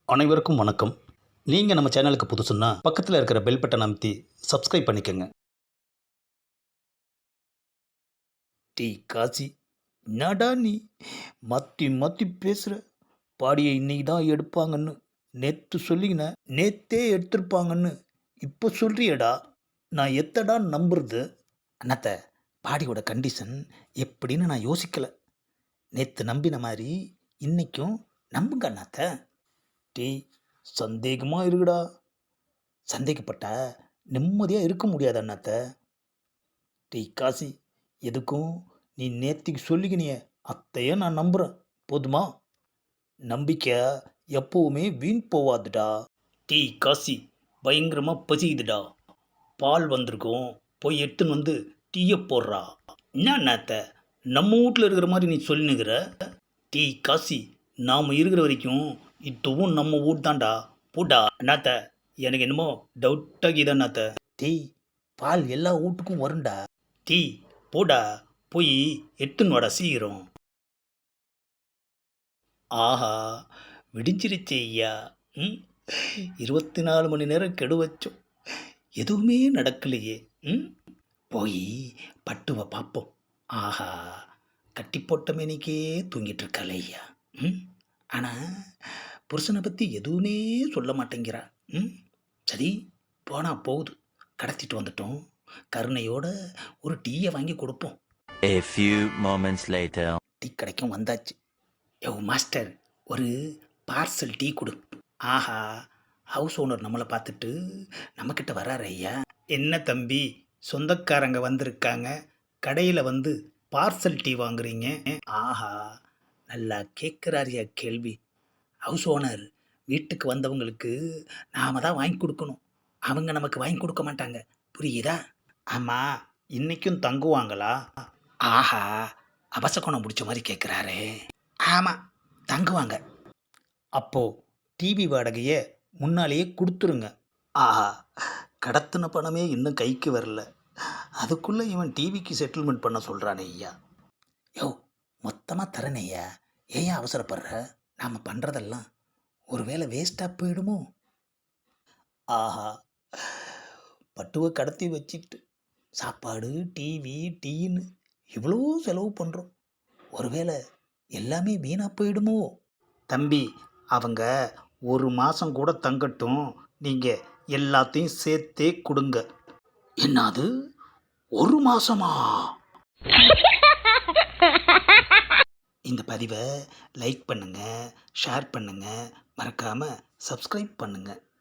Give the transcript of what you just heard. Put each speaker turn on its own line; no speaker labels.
அனைவருக்கும் வணக்கம். நீங்கள் நம்ம சேனலுக்கு புதுசுன்னா பக்கத்தில் இருக்கிற பெல் பட்டனை அமைத்தி சப்ஸ்கிரைப் பண்ணிக்கோங்க. டீ காசி, என்னடா நீ மாற்றி மாற்றி பேசுகிற? பாடியை இன்னைக்கு தான் எடுப்பாங்கன்னு நேற்று சொல்லிங்கண்ண, நேத்தே எடுத்திருப்பாங்கன்னு இப்போ சொல்கிறியடா. நான் எத்தடா நம்புறது? அண்ணாத்த, பாடியோட கண்டிஷன் எப்படின்னு நான் யோசிக்கலை. நேற்று நம்பின மாதிரி இன்னைக்கும் நம்புங்க அண்ணாத்த. டீ, சந்தேகமாக இருக்குடா. சந்தேகப்பட்டா நிம்மதியாக இருக்க முடியாது அண்ணாத்த. டீ காசி, எதுக்கும் நீ நேத்திக்கு சொல்லிக்கினிய அத்தையே நான் நம்புகிறேன், போதுமா? நம்பிக்கை எப்போவுமே வீண் போவாதுடா. டீ காசி, பயங்கரமாக பசிக்குதுடா. பால் வந்திருக்கும், போய் எடுத்துன்னு வந்து டீயை போடுறா. என்ன அண்ணாத்த, நம்ம வீட்டில் இருக்கிற மாதிரி நீ சொல்லினுக்கிற? டீ காசி, நாம் இருக்கிற வரைக்கும் இதுவும் நம்ம வீட் தான்டா. போடா அண்ணாத்த, எனக்கு என்னமோ டவுட்டாகிதா அண்ணாத்த. டீ, பால் எல்லா வீட்டுக்கும் வரும்டா. டீ, போடா, போய் எடுத்துன்னு வாடா சீக்கிரம். ஆஹா, விடிஞ்சிருச்சு ஐயா. ம் 24 மணி நேரம் கெடு வச்சோம், எதுவுமே நடக்கலையே. ம் போய் பட்டுவை பார்ப்போம். ஆஹா, கட்டி போட்ட மேனிக்கே தூங்கிட்டு இருக்காளே ஐயா. ம் ஆனால் புருஷனை பற்றி எதுவுமே சொல்ல மாட்டேங்கிறா. ம் சரி, போனால் போகுது, கடத்திட்டு வந்துட்டோம். கருணையோட ஒரு டீயை வாங்கி கொடுப்போம்.
A few moments later.
Tea கடைக்கும் வந்தாச்சு. யோ மாஸ்டர், ஒரு பார்சல் டீ கொடு. ஆஹா, ஹவுஸ் ஓனர் நம்மளை பார்த்துட்டு நம்மக்கிட்ட வராரு ஐயா. என்ன தம்பி, சொந்தக்காரங்க வந்திருக்காங்க, கடையில் வந்து பார்சல் டீ வாங்குறீங்க? ஆஹா, நல்லா கேட்குறாரியா கேள்வி. ஹவுஸ் ஓனர் வீட்டுக்கு வந்தவங்களுக்கு நாம தான் வாங்கி கொடுக்கணும், அவங்க நமக்கு வாங்கி கொடுக்க மாட்டாங்க, புரியுதா? ஆமாம், இன்றைக்கும் தங்குவாங்களா? ஆஹா, அபசகுணம் பிடிச்ச மாதிரி கேட்குறாரே. ஆமாம், தங்குவாங்க. அப்போது டிவி வாடகையை முன்னாலேயே கொடுத்துருங்க. ஆஹா, கடத்தின பணமே இன்னும் கைக்கு வரல, அதுக்குள்ளே இவன் டிவிக்கு செட்டில்மெண்ட் பண்ண சொல்கிறானே ஐயா. யோ, மொத்தமாக தரனே ஐயா, ஏன் அவசரப்படுற? நாம் பண்ணுறதெல்லாம் ஒருவேளை வேஸ்ட்டாக போயிடுமோ? ஆஹா, பட்டுவை கடத்தி வச்சுக்கிட்டு சாப்பாடு, டிவி, டீன்னு இவ்வளோ செலவு பண்ணுறோம், ஒருவேளை எல்லாமே வீணாக போயிடுமோ? தம்பி, அவங்க ஒரு மாதம் கூட தங்கட்டும், நீங்கள் எல்லாத்தையும் சேர்த்தே கொடுங்க. என்னது, ஒரு மாதமா? இந்த பதிவை லைக் பண்ணுங்கள், ஷேர் பண்ணுங்கள், மறக்காமல் சப்ஸ்கிரைப் பண்ணுங்கள்.